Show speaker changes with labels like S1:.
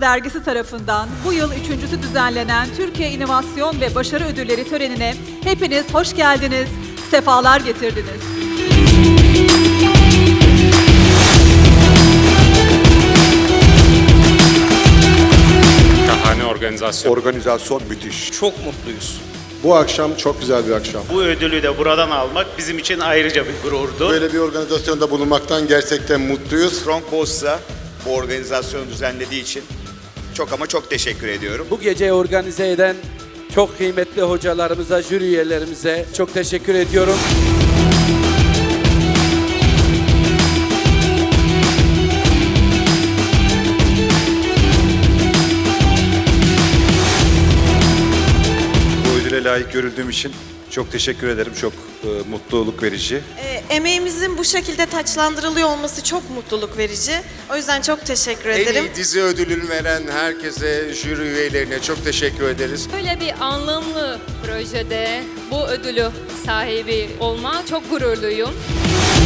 S1: Dergisi tarafından bu yıl üçüncüsü düzenlenen Türkiye İnovasyon ve Başarı Ödülleri törenine hepiniz hoş geldiniz, sefalar getirdiniz.
S2: Şahane organizasyon.
S3: Organizasyon müthiş.
S4: Çok mutluyuz.
S3: Bu akşam çok güzel bir akşam.
S5: Bu ödülü de buradan almak bizim için ayrıca bir gururdu.
S3: Böyle bir organizasyonda bulunmaktan gerçekten mutluyuz.
S6: Strong Boss'a bu organizasyonu düzenlediği için çok ama çok teşekkür ediyorum.
S4: Bu geceyi organize eden çok kıymetli hocalarımıza, jüri üyelerimize çok teşekkür ediyorum.
S7: Bu ödüle layık görüldüğüm için çok teşekkür ederim. Çok mutluluk verici.
S8: Emeğimizin bu şekilde taçlandırılıyor olması çok mutluluk verici. O yüzden çok teşekkür ederim.
S3: En iyi dizi ödülünü veren herkese, jüri üyelerine çok teşekkür ederiz.
S9: Böyle bir anlamlı projede bu ödülü sahibi olma çok gururluyum.